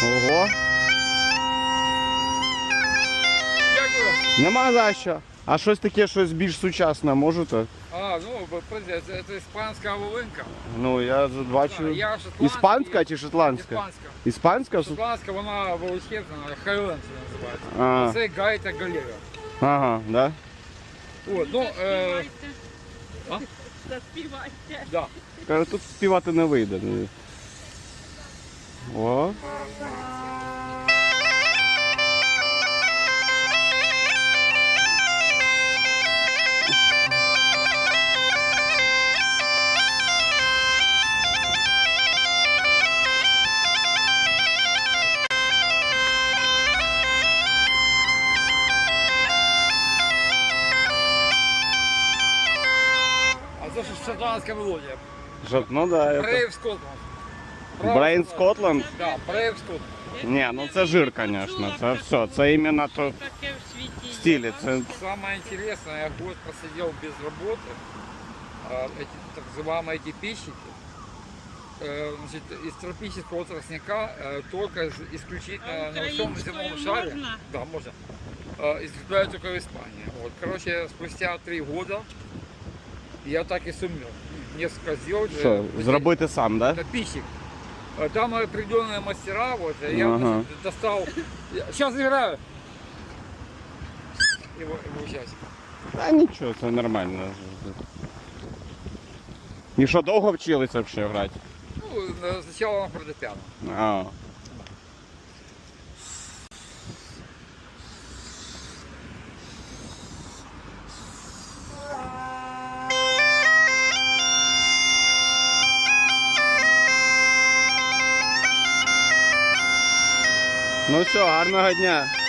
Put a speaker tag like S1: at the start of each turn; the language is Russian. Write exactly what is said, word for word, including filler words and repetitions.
S1: Ого.
S2: Дякую.
S1: Нема за що. А щось таке, щось більш сучасне можете?
S2: А, ну, це, це іспанська волинка.
S1: Ну, я бачу.
S2: Я шотландський.
S1: Іспанська чи шотландська?
S2: Іспанська.
S1: Іспанська?
S2: Шотландська, вона величезна, хайленд називається.
S1: А.
S2: А це гайта галера.
S1: Ага, да?
S2: От, ну, е... А?
S3: Заспівайте.
S2: Да.
S1: Кажу, тут співати не вийде. О.
S2: А це ж шотландська мелодія.
S1: Що, ну да, это...
S2: Brave Scotland.
S1: Brain Scotland?
S2: Да, Brave Scotland.
S1: Ні, ну це жир, звісно. Це все. Це іменно то
S3: Таке в світі.
S1: в стилі. Це...
S2: Самое интересное, я год просидел без работы. А, Эти так называемые эти пищики. Э, Значит, из тропического тростника э, только из- исключительно
S3: А
S2: на всем
S3: украинскую
S2: земном шаре.
S3: можно?
S2: Да, можно. Э, Изготовляют только в Испании. Вот, короче, спустя три года я так и сумел несколько сделать.
S1: Що,
S2: Э,
S1: зробити сам, да?
S2: Это пищик. Э, Там определенные мастера, вот, я
S1: Ага.
S2: значит, достал. Сейчас играю. Его, его сейчас.
S1: Та нічого, це нормально. І що, довго вчилися взагалі грати?
S2: Ну, э, сначала на фортепиано.
S1: А. Ну все, гарного дня.